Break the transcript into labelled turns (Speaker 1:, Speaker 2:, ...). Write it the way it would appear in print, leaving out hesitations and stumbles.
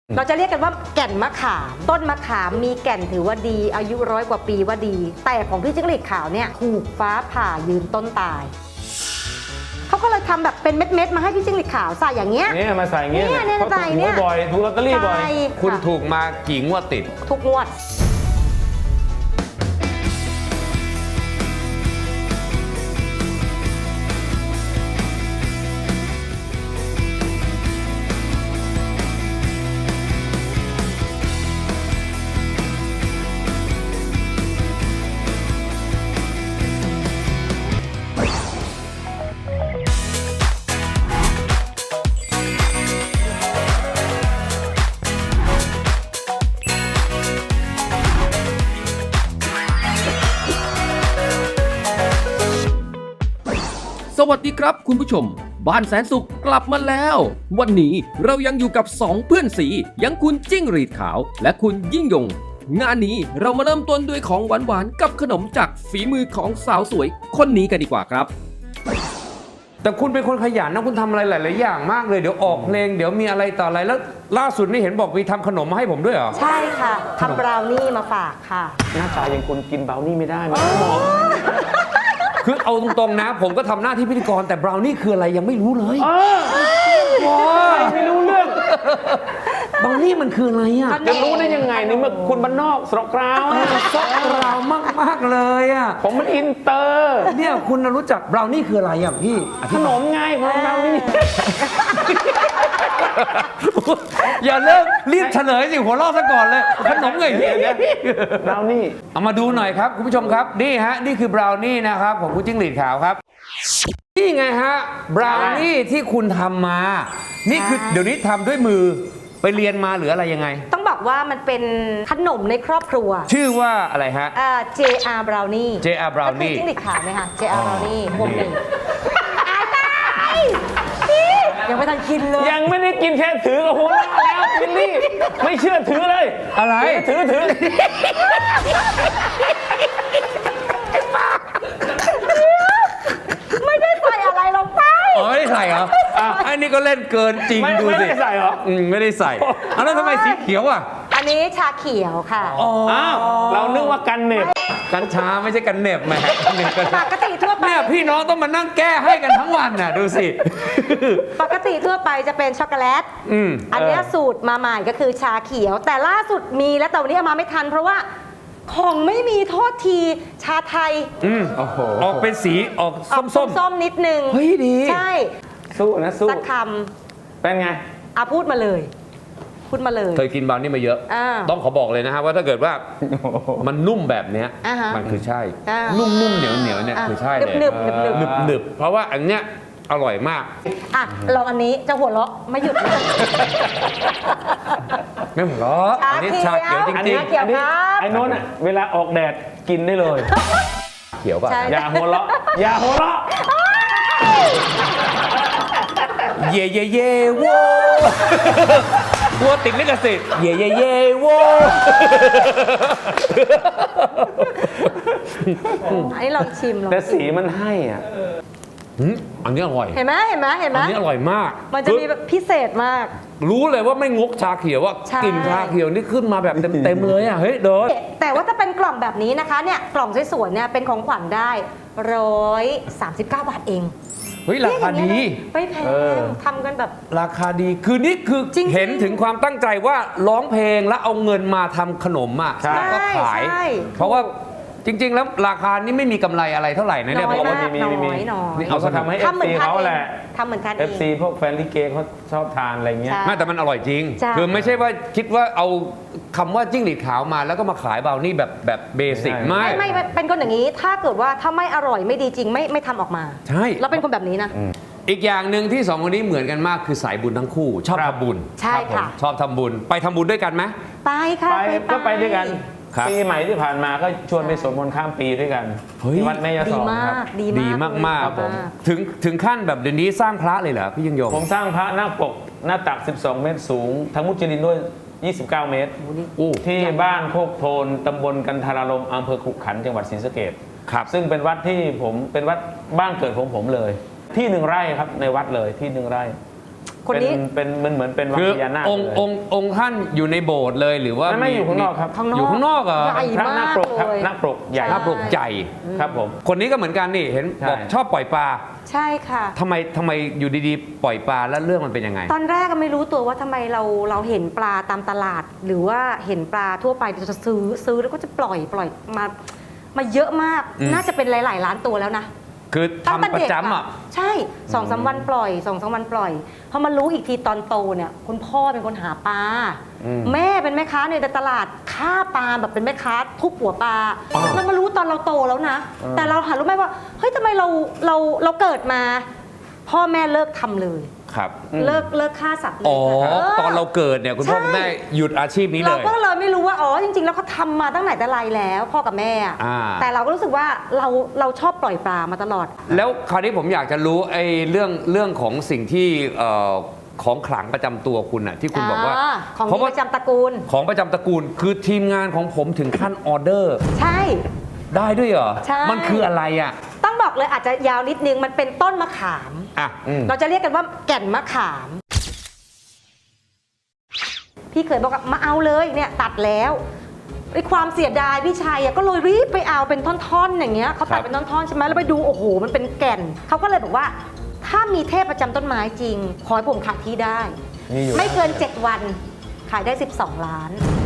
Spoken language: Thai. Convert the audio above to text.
Speaker 1: เราจะเรียกกันว่าแก่นมะขามต้นมะขามมีแก่นถือว่าดีอายุ100 กว่าปีว่าดี แต่ของพี่จิ้งหรีดขาวเนี่ยถูกฟ้าผ่ายืนต้นตายเขาก็เลยทำแบบเป็นเม็ดๆมาให้พี่จิ้งหรีดขาวใส่อย่างเงี้ย
Speaker 2: เนี่ยมาใส่อย่างเงี้ย
Speaker 1: เนี่ย
Speaker 2: เขา
Speaker 1: ใส่
Speaker 2: ถูก
Speaker 1: เนี่
Speaker 2: หวย ยบ่อยถูกลอตเตอรี่บ่อย
Speaker 1: ใช่
Speaker 3: คุณ
Speaker 1: ะ
Speaker 3: ถูกมากี่งวดติด
Speaker 1: ทุกงวด
Speaker 4: สวัสดีครับคุณผู้ชมบ้านแสนสุขกลับมาแล้ว วันนี้เรายังอยู่กับ2เพื่อนสียังคุณจิ้งหรีดขาวและคุณยิ่งยง งานนี้เรามาเริ่มต้นด้วยของหวานๆกับขนมจากฝีมือของสาวสวยคนนี้กันดีกว่าครับ
Speaker 3: แต่คุณเป็นคนขยันนะคุณทำอะไรหลาย ๆ อย่างมากเลยเดี๋ยวออกเพลงเดี๋ยวมีอะไรต่ออะไรแล้วล่าสุดนี่เห็นบอกมีทำขนมมาให้ผมด้วยเหรอ
Speaker 1: ใช่ค่ะทำบราวนี่มาฝากค่ะ
Speaker 2: หน้าตายังคนกินเบลนี่ไม่ได้มันหมอ
Speaker 3: คือเอาตรง ๆ นะ ผมก็ทำหน้าที่พิธีกรแต่บราวนี่คืออะไรยังไม่รู้เลยว้า
Speaker 2: ไม่รู้เรื่อง
Speaker 3: บราวนี่มันคืออะไรอ่ะ
Speaker 2: จะรู้ได้ยังไงในเมื่อคุณบ้านนอกสระกราวอะ
Speaker 3: ซอกเรามาก ๆ เลยอ่ะ
Speaker 2: ผมมันอินเตอร์
Speaker 3: เนี่ยคุณรู้จักบราวนี่คืออะไรอ่ะพี่
Speaker 2: ขนมไงขนมเบลนี่
Speaker 3: อย่าเลิกรีบเฉลยสิหัวเราะซะก่อนเลยขนมไงพี่
Speaker 2: เบลนี่
Speaker 3: เอามาดูหน่อยครับคุณผู้ชมครับนี่ฮะนี่คือบราวนี่นะครับของคุณจิ้งหรีดขาวครับนี่ไงฮะบราวนี่ที่คุณทำมา นี่คือเดี๋ยวนี้ทำด้วยมือไปเรียนมาหรืออะไรยังไง
Speaker 1: ต้องบอกว่ามันเป็นขนมในครอบครัว
Speaker 3: ชื่อว่าอะไรฮะ
Speaker 1: JR Brownie
Speaker 3: JR Brownie
Speaker 1: ก็คือจิ้งหรีดขาวไหมคะ JR Brownie พวกนี้อายตายยังไม่ทันกินเลย
Speaker 2: ยังไม่ได้กินแค่ถือกับหัวเราะแล้วบิลลี่ไม่เชื่อถือเลย
Speaker 3: อะไร
Speaker 2: ถือ
Speaker 1: ไม่ได้ใส่อะไรลงไป
Speaker 3: อ๋อไม่ได้ใส่เหรออันนี้ก็เล่นเกินจริง
Speaker 2: ไม่
Speaker 3: ดู
Speaker 2: ไม่
Speaker 3: สิ
Speaker 2: ได้ใส่เหรอ
Speaker 3: ไม่ได้ใส่เอาแล้วทำไมสีเขียวอ่ะ
Speaker 1: อันนี้ชาเขียวค่ะ
Speaker 2: อ้าวเรานึกว่ากันเน็บ
Speaker 3: กัญชาไม่ใช่กันเหน็บแหมเหน็บกัน
Speaker 1: ปกติทั่วไป
Speaker 3: เนี่ยพี่น้องต้องมานั่งแก้ให้กันทั้งวันน่ะดูสิ
Speaker 1: ปกติทั่วไปจะเป็นช็อกโกแลต อันเนี้ยสูตรมาใหม่ก็คือชาเขียว แต่ล่าสุดมีแล้วแต่วันนี้เอามาไม่ทัน เพราะว่าของไม่มีโทษทีชาไทย
Speaker 2: โอ้โห
Speaker 3: ออกเป็นสีออก
Speaker 1: ออก
Speaker 3: ส้ม
Speaker 1: ส้มๆนิดนึง
Speaker 3: เฮ้ยดี
Speaker 1: ใช่
Speaker 2: สู้นะสู้
Speaker 1: สักค
Speaker 2: เป็นไง
Speaker 1: ำพูดมาเลย พูดมาเลย
Speaker 3: เคยกินบราวนี่มาเยอะ
Speaker 1: อ่า
Speaker 3: ต้องขอบอกเลยนะฮะว่าถ้าเกิดว่ามันนุ่มแบบเนี้ย
Speaker 1: อ่าฮะ
Speaker 3: มันคือใช่
Speaker 1: อ่า
Speaker 3: นุ่มๆเหนียวๆเนี่ยคือใช่เลย
Speaker 1: หนึบๆหนึบ
Speaker 3: หนึบๆเพราะว่าอันเนี้ยอร่อยมาก
Speaker 1: ๆอ่ะลองอันนี้จะหัวเราะไม่หยุดเลย
Speaker 3: ไม่หัวเราะอันนี้ชาเขียวจ
Speaker 1: อัน
Speaker 3: ริ
Speaker 1: นี้
Speaker 3: ง
Speaker 1: เขียวครับ
Speaker 2: ไอ้โน้นอะเวลาออกแดดกินได้เลย
Speaker 3: ๆเขียวป่ะ
Speaker 1: ใช่
Speaker 2: อย่าหัวเราะอย่าหัวเราะ
Speaker 3: เย่เย่เย่โว้วัวติดลิขสิทธิ์เย่เย่เย่โว้
Speaker 1: อันนี้ลองชิมลอง
Speaker 2: แต่
Speaker 1: ชิ
Speaker 2: สี
Speaker 1: ม
Speaker 2: มันให้อ่ะ
Speaker 3: อันนี้อร่อย
Speaker 1: เห็นไหมเห็นไหมเห็นไหม
Speaker 3: อันนี้อร่อยมาก
Speaker 1: มันจะมีแบบพิเศษมาก
Speaker 3: รู้เลยว่าไม่งกชาเขียวว่า
Speaker 1: ใช่
Speaker 3: กลิ่นชาเขียวนี่ขึ้นมาแบบเต็มๆเลยอ่ะเฮ้ยเดิน
Speaker 1: แต่ว่าถ้าเป็นกล่องแบบนี้นะคะเนี่ยกล่องสวยๆเนี่ยเป็นของขวัญได้139 บาทเอง
Speaker 3: เฮ้ยราคาดี
Speaker 1: ไม่แพงทำกันแบบ
Speaker 3: ราคาดีคือนี่คือ
Speaker 1: จริงๆ
Speaker 3: เห็นถึงความตั้งใจว่าร้องเพลงแล้วเอาเงินมาทำขนมอ่ะ
Speaker 2: ใช่
Speaker 3: แล้วก็ขาย
Speaker 1: ใช่
Speaker 3: เพราะว่าจริริง ๆ แล้วราคานี่ไม่มีกำไรอะไรเท่าไหร่นะเนี่ย
Speaker 1: น้อย
Speaker 3: บอกว่า
Speaker 1: มาก
Speaker 2: มี
Speaker 1: น้
Speaker 2: มี
Speaker 1: อยน้อย
Speaker 3: นี่
Speaker 2: เขาก็ทำให้
Speaker 1: ทำเหมือน
Speaker 2: FC
Speaker 1: ทาน
Speaker 2: เขา
Speaker 1: เอ
Speaker 2: แห
Speaker 1: ง
Speaker 2: ละ
Speaker 1: ทำเหมือนทานเอง
Speaker 2: FC พวกแฟนลิเกเขาชอบทานอะไรเงี้ย
Speaker 1: ใช่
Speaker 3: ไม่แต่มันอร่อยจริง
Speaker 1: ใช่
Speaker 3: คือไม่ใช่ว่าคิดว่าเอาคำว่าจิ้งหรีดขาวมาแล้วก็มาขายบราวนี่แบบเบสิก
Speaker 2: ไม่
Speaker 3: ไม่
Speaker 1: ไม่เป็นคนอย่างนี้ ถ้าเกิดว่าถ้าไม่อร่อยไม่ดีจริงไม่ทำออกมา
Speaker 3: ใช่
Speaker 1: เราเป็นคนแบบนี้นะ
Speaker 3: อีกอย่างหนึ่งที่สองคนนี้เหมือนกันมากคือสายบุญทั้งคู่ ชอบ
Speaker 2: ครับ
Speaker 3: ทำบุญ
Speaker 1: ใช่ค่ะ
Speaker 3: ชอบทำบุญไปทำบุญด้วยกันไหม
Speaker 1: ไปค่ะ
Speaker 2: ไปก็ไปด้วยกัน
Speaker 3: ครับ
Speaker 2: ปีใหม่ที่ผ่านมาก็ชวนไปสวดมนต์ข้ามปีด้วยกัน
Speaker 3: เฮ้ย
Speaker 2: ที่วัดแม่ยา
Speaker 1: ดี
Speaker 2: สอง
Speaker 1: มา
Speaker 2: ครับ
Speaker 1: กดี
Speaker 3: ดี
Speaker 1: มาก
Speaker 3: มาก
Speaker 2: ครับผม
Speaker 3: ๆถึงขั้นแบบเดี๋ยวนี้สร้างพระเลยเหรอพี่ยิ่งยง
Speaker 2: ผมสร้างพระหน้าปกหน้าตัก 12 เมตรสูง ทั้งมุจลินด้วย 29 เมตร
Speaker 3: โอ้
Speaker 2: ที่บ้านโคกโทนตำบลกันทารารมอำเภอขุขันธ์จังหวัดศรีสะเกษ
Speaker 3: ครับ
Speaker 2: ซึ่งเป็นวัดที่ผมเป็นวัดบ้านเกิดของผมเลย ที่1 ไร่ครับในวัดเลยที่1 ไร่
Speaker 1: คนนี้
Speaker 2: เป็นเหมือนเป็นวัง
Speaker 3: คือ
Speaker 2: พญานาค
Speaker 3: องค์
Speaker 2: เลย
Speaker 3: องค์ท่านอยู่ในโบสถ์เลยหรือว่า
Speaker 2: ไม่อยู่ข้างนอกครับ
Speaker 1: ข้างนอก
Speaker 3: อยู่ข้างนอกเหรอ
Speaker 1: ใหญ่
Speaker 2: พระนาคปรกครับ
Speaker 1: มากเลย
Speaker 2: นาคปรกใหญ่
Speaker 3: พระปลุกใจ
Speaker 2: ครับผม
Speaker 3: คนนี้ก็เหมือนกันนี่เห็น
Speaker 2: ใช่
Speaker 3: บอกชอบปล่อยปลา
Speaker 1: ใช่ค่ะ
Speaker 3: ทำไมอยู่ดีๆ ปล่อยปลาแล้วเรื่องมันเป็นยังไง
Speaker 1: ตอนแรกก็ไม่รู้ตัวว่าทำไมเราเห็นปลาตามตลาด หรือว่าเห็นปลาทั่วไปจะซื้อแล้วก็จะปล่อยมาเยอะมาก
Speaker 3: อืม
Speaker 1: น่าจะเป็นหลาย ๆ ล้านตัวแล้วนะ
Speaker 3: คือ
Speaker 1: ตั้งแต่
Speaker 3: ทำประ
Speaker 1: เด็ก
Speaker 3: จำอ่ะ
Speaker 1: ใช่2-3 วันปล่อย2-3 วันปล่อยพอมารู้อีกทีตอนโตเนี่ยคุณพ่อเป็นคนหาปลา
Speaker 2: อืม
Speaker 1: แม่เป็นแม่ค้าในตลาดฆ่าปลาแบบเป็นแม่ค้าทุบหัวปลา
Speaker 3: อ๋อ
Speaker 1: แล้วมารู้ตอนเราโตแล้วนะ แต่เราหารู้ไหมว่าเฮ้ยทำไมเราเกิดมา พ่อแม่เลิกทำเลย
Speaker 3: ครับ
Speaker 1: เลิกฆ่าสัตว์เลย
Speaker 3: อ๋อ
Speaker 1: ค่ะ
Speaker 3: ตอนเราเกิดเนี่ยคุณพ่อ
Speaker 1: ใช่
Speaker 3: คุณแม่หยุดอาชีพนี้เล
Speaker 1: เรา
Speaker 3: ย
Speaker 1: ก็เลยไม่รู้ว่าอ๋อจริงๆแล้วเขาทำมาตั้งไหนแต่ไรแล้วพ่อกับแม่อะ
Speaker 3: อ่า
Speaker 1: แต่เราก็รู้สึกว่าเราชอบปล่อยปลามาตลอด
Speaker 3: แล้วคราวนี้ผมอยากจะรู้ไอ้เรื่องของสิ่งที่ของขลังประจำตัวคุณน่ะที่คุณบอกว่า
Speaker 1: ของ
Speaker 3: เพราะ
Speaker 1: ดี
Speaker 3: ว่า
Speaker 1: ประจำตระกูล
Speaker 3: ของประจำตระกูลคือทีมงานของผมถึงขั้นออเดอร์
Speaker 1: ใช่
Speaker 3: ได้ด้วยเหรอ
Speaker 1: ใช่
Speaker 3: มันคืออะไรอ่ะ
Speaker 1: ต้องบอกเลยอาจจะยาวนิดนึงมันเป็นต้นมะขาม
Speaker 3: อ่ะ
Speaker 1: เราจะเรียกกันว่าแก่นมะขาม พี่เคยบอกว่ามาเอาเลยเนี่ยตัดแล้วไอ้ความเสียดายพี่ชัยอะก็เลยรีบไปเอาเป็นท่อนๆอย่างเงี้ยเขาตัดเป็นท่อนๆใช่ไหมแล้วไปดูโอ้โหมันเป็นแก่นเขาก็เลยบอกว่า ถ้ามีเทพประจำต้นไม้จริง ขอให้ผมขายที่ได้
Speaker 2: มีอยู่
Speaker 1: ไม่เกิน 7 วันขายได้ 12 ล้าน